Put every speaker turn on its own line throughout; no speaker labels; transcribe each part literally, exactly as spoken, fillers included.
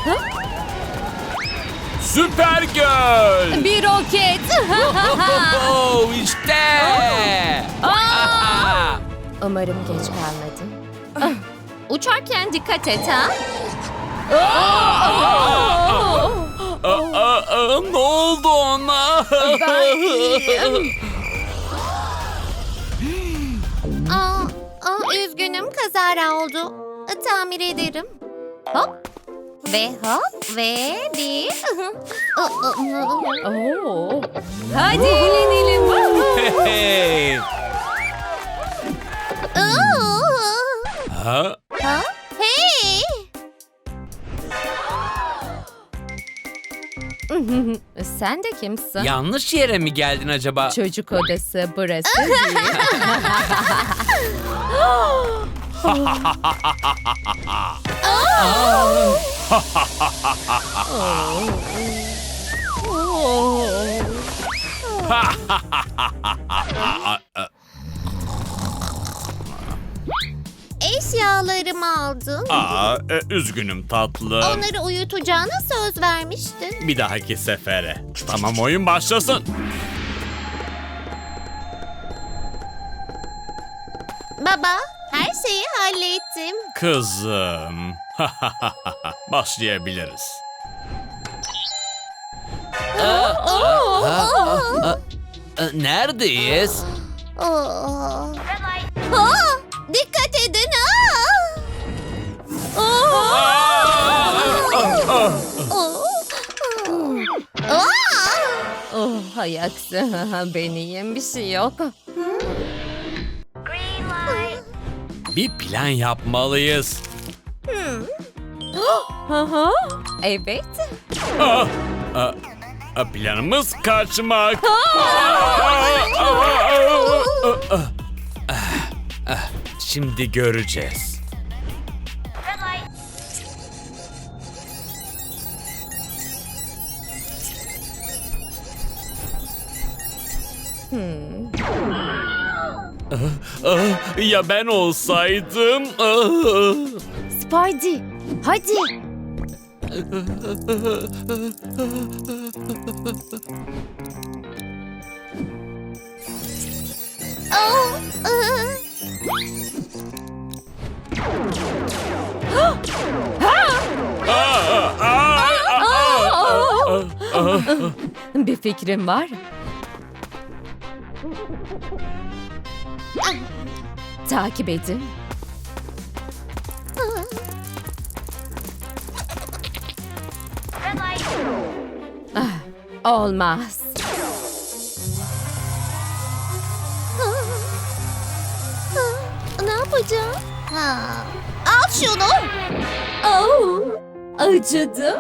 Süper göl.
Bir roket.
Oh, işte.
Aa! Umarım geç kalmadım. Ah, uçarken dikkat et ha.
Aa, aa, ne oldu ona?
Ben iyiyim. Aa, aa, üzgünüm, kazara oldu. Tamir ederim. Hop. Ve hop ve bir. Oo. Hadi eğlenelim.
Hey.
Oo.
Ha?
Ha? Hey. Sen de kimsin?
Yanlış yere mi geldin acaba?
Çocuk odası burası değil. Eşyalarımı aldın.
Aa, e, üzgünüm tatlım.
Onları uyutacağına söz vermiştin.
Bir dahaki sefere. Tamam, oyun başlasın.
Baba, her şeyi hallettim.
Kızım. Başlayabiliriz. Neredeyiz?
Aa. Aa, dikkat edin. Aa. Aa. Aa. Aa. Oh, hay aksi. Ben iyiyim, bir şey yok.
Bir plan yapmalıyız.
Aha, evet.
Aa, aa, aa, planımız kaçmak. Şimdi göreceğiz. Ah, ya ben olsaydım. Ah.
Spidey, hadi. Oh, ıı.
Ah, ah, ah, ah, ah.
Bir fikrim var. Takip edin. Ah, olmaz. Ne yapacağım? Al şunu. Oh, acıdı.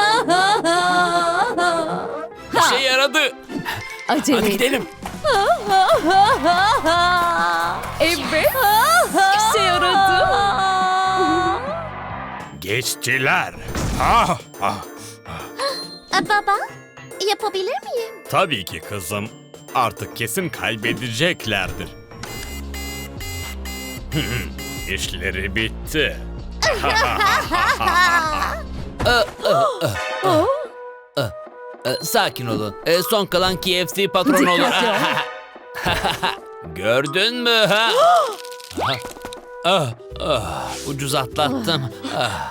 Bir şey yaradı.
Acele
Hadi
et.
gidelim.
Evet. İşe yaradı.
Geçtiler. Ah, ah.
Baba, yapabilir miyim?
Tabii ki kızım. Artık kesin kaybedeceklerdir. İşleri bitti.
Sakin olun. E, son kalan K F C patronu olur.
Dikkatli ol.
Gördün mü? Ha? ah, ah, ucuz atlattım. Ah.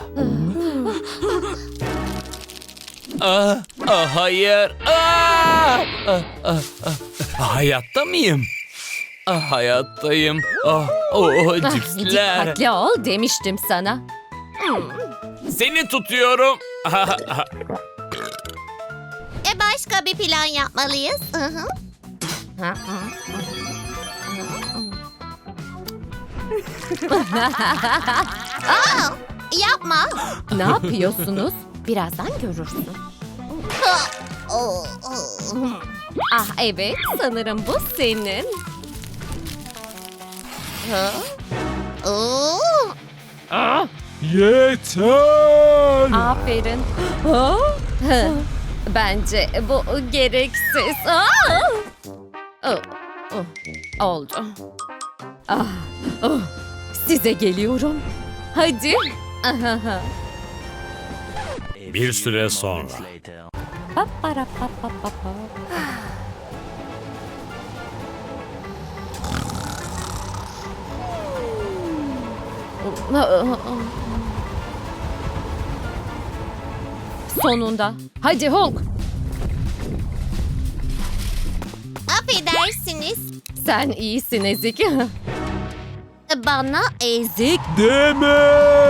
Ah, ah, hayır. Ah, ah, ah, ah. Hayatta mıyım? Ah, hayattayım. Ah, oh, cipsler.
Dikkatli ol demiştim sana.
Seni tutuyorum.
E başka bir plan yapmalıyız. Aa, yapma. Ne yapıyorsunuz? Birazdan görürsün. Ah evet, sanırım bu senin.
Yeter.
Aferin. Bence bu gereksiz. Oh, oh, oldu. Ah, oh, size geliyorum. Hadi.
A
Bir süre sonra.
Sonunda. Hadi Hulk.
Affedersiniz.
Sen iyisin Ezik.
Bana ezik.
Deme!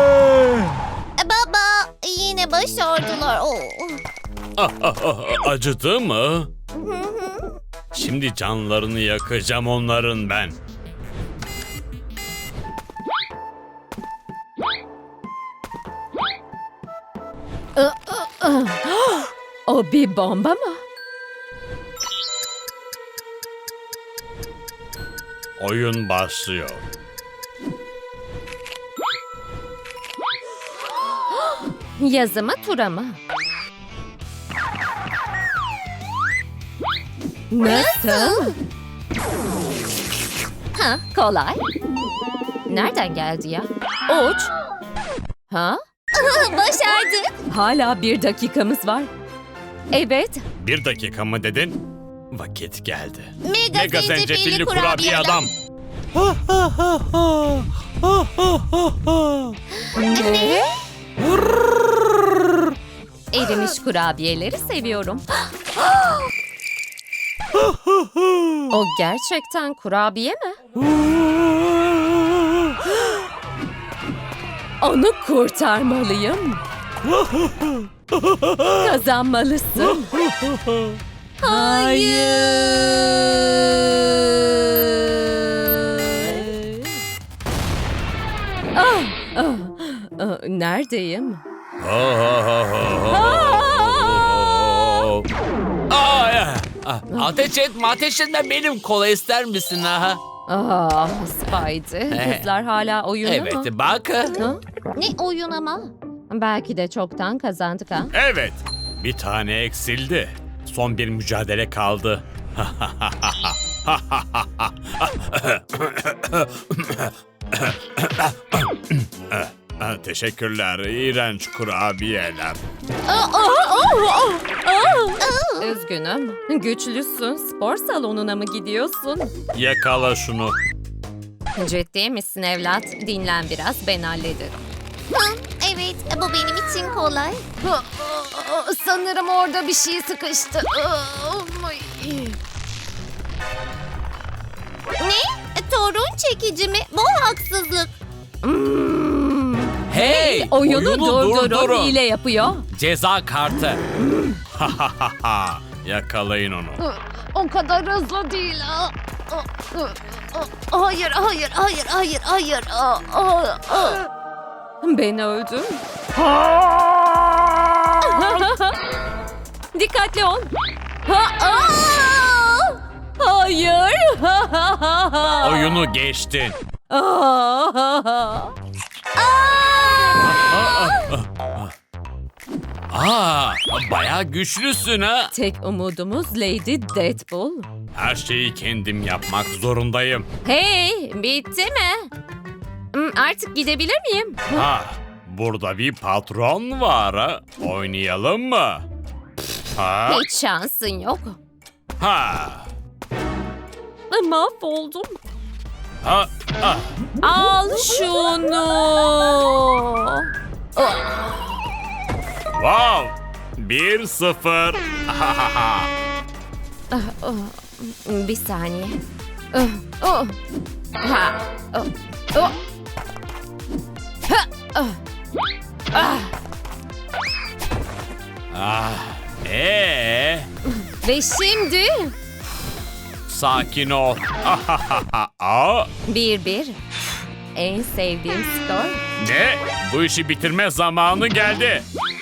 Baba yine başardılar. Oo.
Ah, ah, ah, acıdı mı? Şimdi canlarını yakacağım onların ben.
O bir bomba mı?
Oyun başlıyor.
Yazı mı tura mı? Nasıl? Ha, kolay. Nereden geldi ya? Uç. Ha?
Başardık.
Hala bir dakikamız var. Evet.
Bir dakika mı dedin? Vakit geldi.
Mega,
Mega zencefilli kurabiye adam.
Ne? Erimiş kurabiyeleri seviyorum. O gerçekten kurabiye mi? Onu kurtarmalıyım. Kazanmalısın. Hayır. Ah, ah, ah, neredeyim?
Aa, ya. Ah, ateş etme, ateş etme benim kola ister misin ha?
Ah, Spidey. Kızlar hala oyunda
Evet,
mı?
bak.
Ha?
Ne oyun ama?
Belki de çoktan kazandık ha.
Evet. Bir tane eksildi. Son bir mücadele kaldı. Teşekkürler. İğrenç kurabiyeler.
Üzgünüm. Güçlüsün. Spor salonuna mı gidiyorsun?
Yakala şunu.
Ciddi misin evlat? Dinlen biraz, ben hallederim.
Hı, evet bu benim için kolay.
Sanırım orada bir şey sıkıştı.
Ne? Torun çekici mi? Bu haksızlık.
Hey,
Oyunu, durdurun. Hile yapıyor.
Ceza kartı.
Yakalayın onu.
O kadar hızlı değil.
Hayır, hayır, hayır, hayır, hayır.
Ben öldüm. Dikkatli ol. Hayır.
Oyunu geçtin.
Aa, bayağı güçlüsün ha.
Tek umudumuz Lady Deadpool.
Her şeyi kendim yapmak zorundayım.
Hey, bitti mi? Hmm, Artık gidebilir miyim?
Ha, burada bir patron var ha. Oynayalım mı? Ha,
Hiç şansın yok.
ha,
Mahvoldum.
ha, ha.
Al şunu.
Wow, bir sıfır.
Bir saniye. Oh, oh. Ha. Oh, oh. Ha. Oh. Ah.
Ah, ee,
Ve şimdi
sakin ol. Aa,
bir bir. En sevdiğim skor.
ne? Bu işi bitirme zamanı geldi.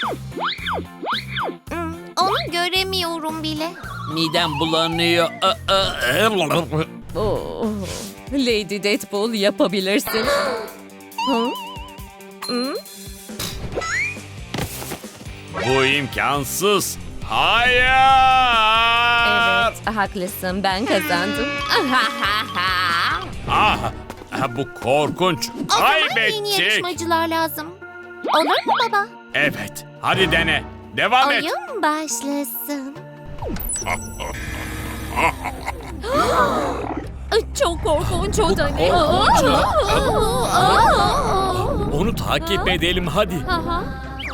Hmm, Onu göremiyorum bile.
Midem bulanıyor. Aa, aa.
Oh. Lady Deadpool yapabilirsin. Hı? Hı?
Bu imkansız. Hayır.
Evet, haklısın. Ben kazandım.
Ah, bu korkunç.
O zaman yeni
Kaybettik.
yarışmacılar lazım. Olur mu baba?
Evet, hadi dene. Devam et.
Oyun başlasın.
Çok korkunç o da ne?
Onu takip edelim hadi.
Aha.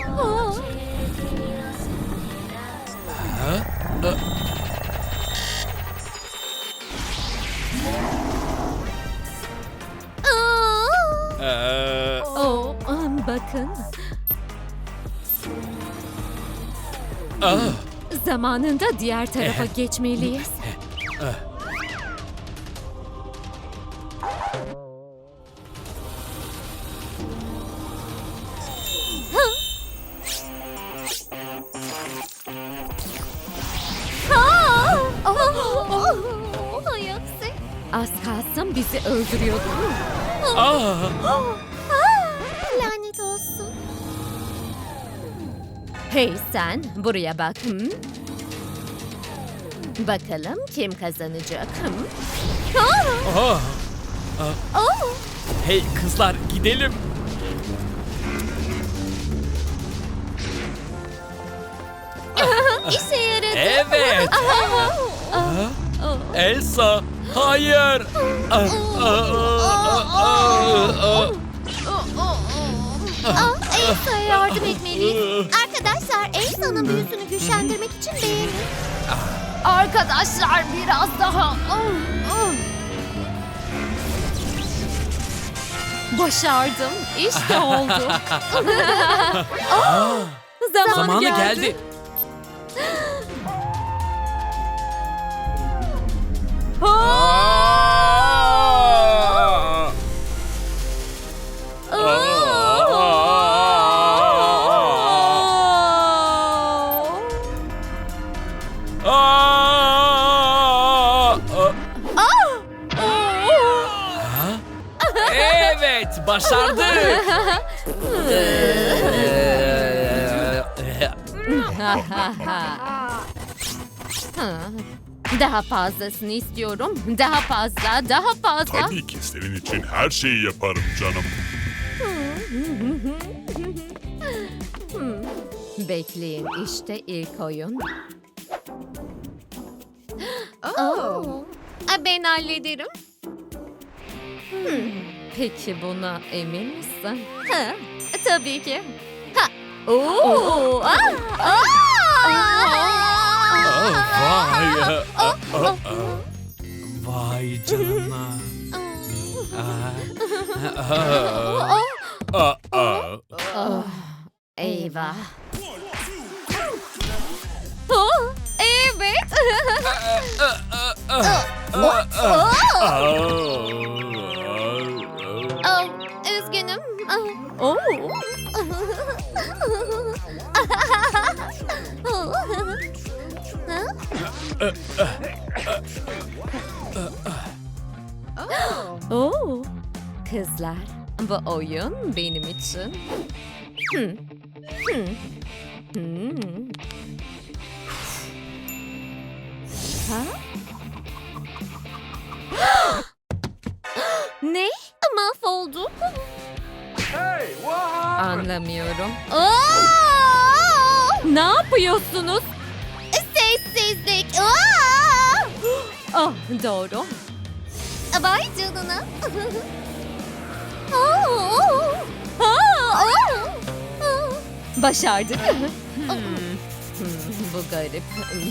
Ee,
Oh, bakın.
ah,
Zamanında diğer tarafa geçmeliyiz.
Hay aksi.
Az kalsın bizi öldürüyordu.
ah.
Lanet olsun.
Hey sen, buraya bak. Hı? Bakalım kim kazanacak? Hı?
Ah. Hey kızlar gidelim.
İşe yaradı.
Evet. Elsa, hayır. Ah, ah, ah, ah, ah.
Ah, Elsa'ya yardım etmeliyiz. Arkadaşlar Elsa'nın büyüsünü güçlendirmek için beğenin.
Arkadaşlar biraz daha. Başardım. İşte oldu. Zamanı,
Zamanı
geldi.
geldi.
Aa!
Evet, başardık.
Daha fazlasını istiyorum. Daha fazla, daha fazla.
Tabii ki senin için her şeyi yaparım canım.
Bekleyin, işte ilk oyun.
Oo. Ah, Ben hallederim.
Peki buna emin misin?
Ha,
Tabii ki.
Oo. Ah, ah.
Vay. Vay canına.
Aa, aa.
Oh, eyvah.
Oh, evet.
Aa.
Ah, Üzgünüm. Ah.
Oh. Oh. Kızlar, bu oyun benim için. Hmm. Hmm. Hmm. Ha? Ne?
Mahvolduk.
Anlamıyorum.
Aa!
Ne yapıyorsunuz?
Sessizlik. Aa!
Oh, doğru.
Vay canına. Aa! Aa! Aa!
Başardık. Hmm. Hmm, bu garip.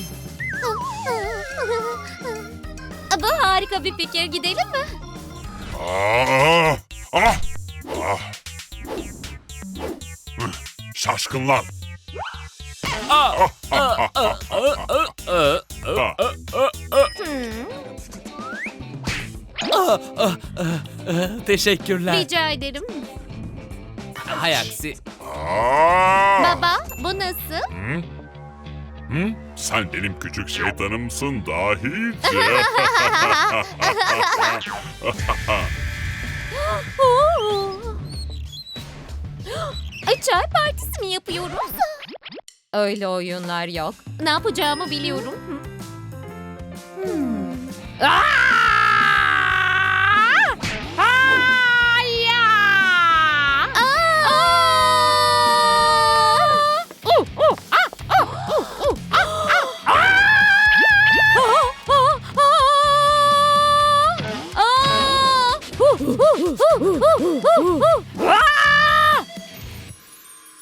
Bu harika bir fikir. Gidelim mi?
Aa, ah, ah. Hıh, Şaşkınlar.
Ah, ah, ah, ah, ah, ah, ah, ah, ah. Teşekkürler.
Rica ederim.
Hay aksi.
Aa!
Baba, bu nasıl?
Hı? Hı? Sen benim küçük şeytanımsın dahice.
Oo. Ay, Çay partisi mi yapıyoruz?
Öyle oyunlar yok.
Ne yapacağımı biliyorum. Hmm.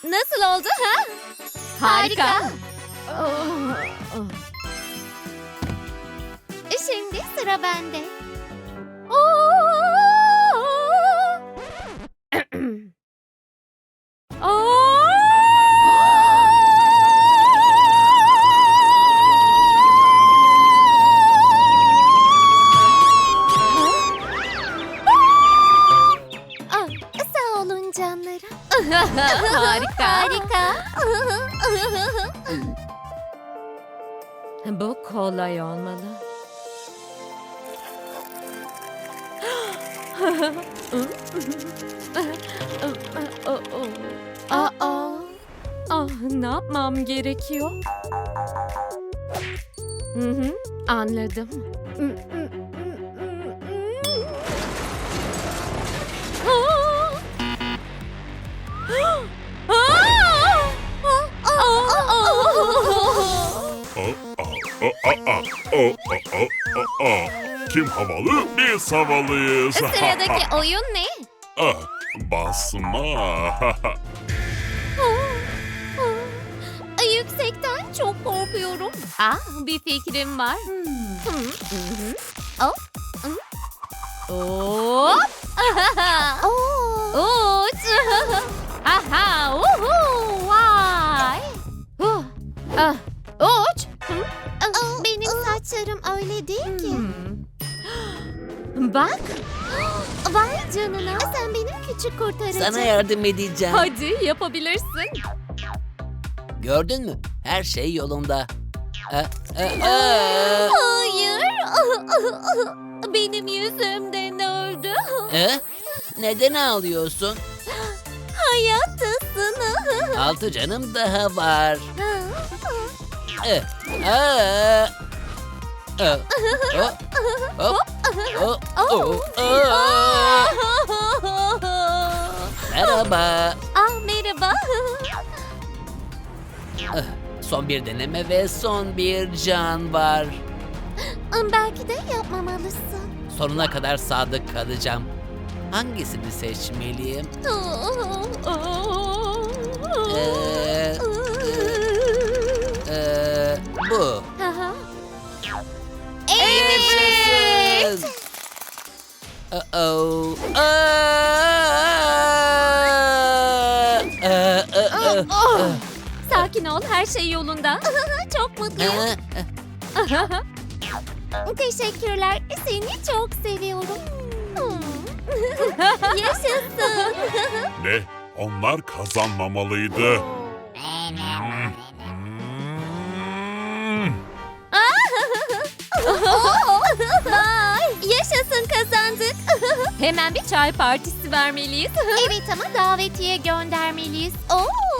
Nasıl oldu ha? Harika. Oh, oh.
Şimdi sıra bende. Ah, sağ olun canlarım.
Harika.
Harika.
Bu kolay olmalı.
Aa.
Ah, ne yapmam gerekiyor? Hı hı, anladım.
Aa, aa, aa, aa, aa, aa, aa. Kim havalı? Biz havalıyız.
Sıradaki oyun ne?
Ah, basma.
Yüksekten çok korkuyorum. Ah, bir fikrim var. Hmm. Hop. Hop.
Oo.
Uç. Aha, uhu, vay. Huh. Ah, uç. Hı?
Aa, Benim saçlarım öyle değil ki.
Hmm. Bak,
Vay canına, sen benim küçük kurtarıcım.
Sana yardım edeceğim.
hadi yapabilirsin.
Gördün mü? Her şey yolunda. Aa, aa, aa.
Hayır. Benim yüzümden öldü.
Ee? Neden ağlıyorsun?
Hayattasın.
Altı canım daha var. Ee, aa. Aa, hop, hop, hop, hop, aa. Merhaba.
Ah merhaba.
Ah, Son bir deneme ve son bir can var.
Belki de yapmamalısın.
Sonuna kadar sadık kalacağım. Hangisini seçmeliyim? Ee, ee, bu.
Aha.
Evet. Uh-oh. Aa! Aa, aa, aa.
Oh. Sakin ol, her şey yolunda.
Çok mutluyum.
Aa,
Teşekkürler. Seni çok seviyorum. Yaşasın.
Ne? Onlar kazanmamalıydı.
Vay, yaşasın kazandık.
Hemen bir çay partisi vermeliyiz.
Evet ama davetiye göndermeliyiz. Oo.